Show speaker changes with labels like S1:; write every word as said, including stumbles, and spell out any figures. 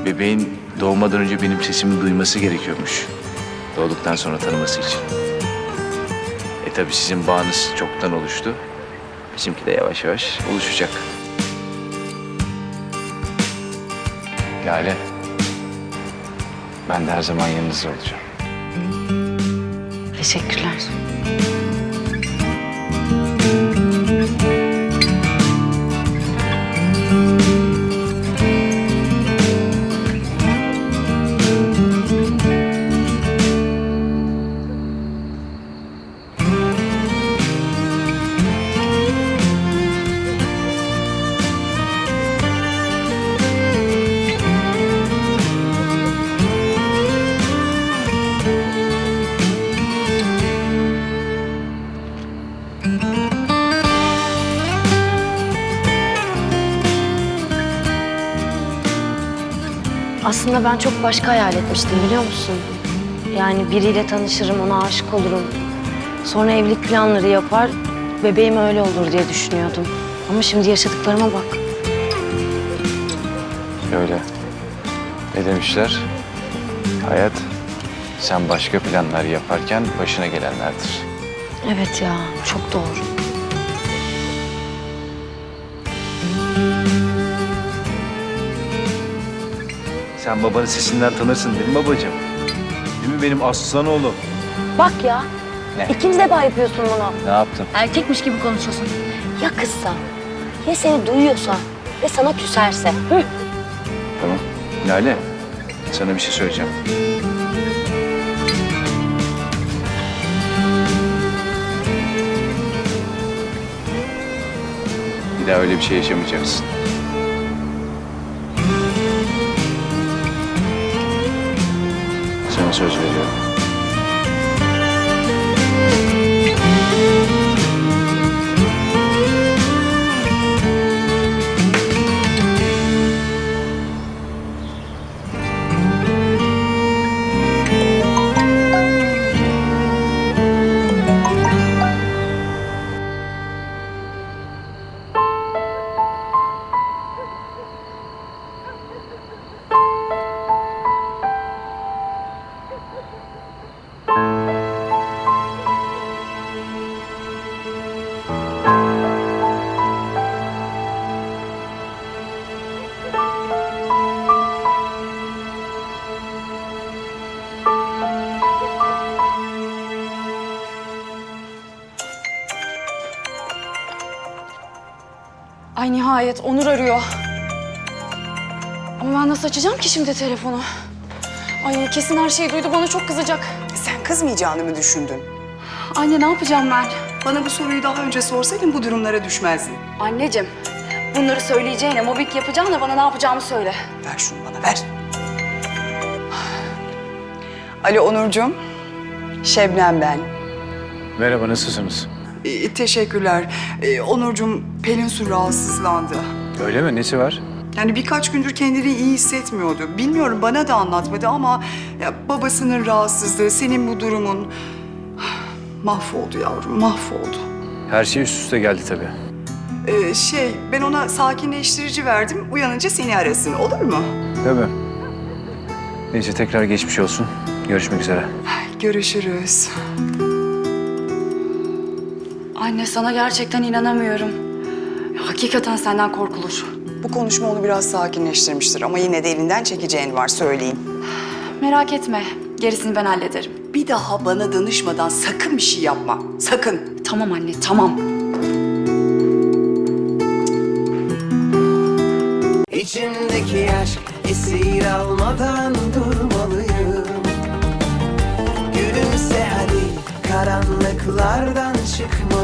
S1: bebeğin doğmadan önce benim sesimi duyması gerekiyormuş. Doğduktan sonra tanıması için. E tabii sizin bağınız çoktan oluştu. Bizimki de yavaş yavaş oluşacak. Lale, ben de her zaman yanınızda olacağım.
S2: Teşekkürler. Aslında ben çok başka hayal etmiştim, biliyor musun? Yani biriyle tanışırım, ona aşık olurum. Sonra evlilik planları yapar, bebeğim öyle olur diye düşünüyordum. Ama şimdi yaşadıklarıma bak.
S1: Öyle. Ne demişler? Hayat, sen başka planlar yaparken başına gelenlerdir.
S2: Evet ya, çok doğru.
S1: Sen babanın sesinden tanırsın değil mi babacığım? Değil mi benim aslan oğlum?
S2: Bak ya,
S1: Ne?
S2: ikiniz de daha yapıyorsun bunu.
S1: Ne yaptım?
S2: Erkekmiş gibi konuşuyorsun. Ya kızsa, ya seni duyuyorsa ve sana küserse? Hı?
S1: Tamam. Lale, sana bir şey söyleyeceğim. Bir daha öyle bir şey yaşamayacaksın. Sana söz veriyorum.
S3: Ay nihayet Onur arıyor. Ama ben nasıl açacağım ki şimdi telefonu? Ay kesin her şeyi duydu, bana çok kızacak.
S4: Sen kızmayacağını mı düşündün?
S3: Anne ne yapacağım ben?
S4: Bana bu soruyu daha önce sorsaydın bu durumlara düşmezdin.
S3: Anneciğim, bunları söyleyeceğine, mobbing yapacağına bana ne yapacağımı söyle.
S4: Ver şunu bana, ver. Alo Onurcuğum, Şebnem ben.
S1: Merhaba, nasılsınız?
S4: Ee, teşekkürler. Ee, Onurcuğum, Pelin Su rahatsızlandı.
S1: Öyle mi? Nesi var?
S4: Yani birkaç gündür kendini iyi hissetmiyordu. Bilmiyorum, bana da anlatmadı ama ya, babasının rahatsızlığı, senin bu durumun... Mahvoldu yavrum, mahvoldu.
S1: Her şey üst üste geldi tabii.
S4: Ee, şey, ben ona sakinleştirici verdim. Uyanınca seni arasın, olur mu?
S1: Tabii. Neyse, tekrar geçmiş olsun. Görüşmek üzere.
S4: Görüşürüz.
S3: Anne sana gerçekten inanamıyorum. Ya, hakikaten senden korkulur.
S4: Bu konuşma onu biraz sakinleştirmiştir ama yine de elinden çekeceğin var, söyleyeyim.
S3: Merak etme, gerisini ben hallederim.
S4: Bir daha bana danışmadan sakın bir şey yapma, sakın.
S3: Tamam anne, tamam.
S5: İçimdeki aşk esir almadan durmalıyım. Gülümse hadi, karanlıklardan çıkmalıyım.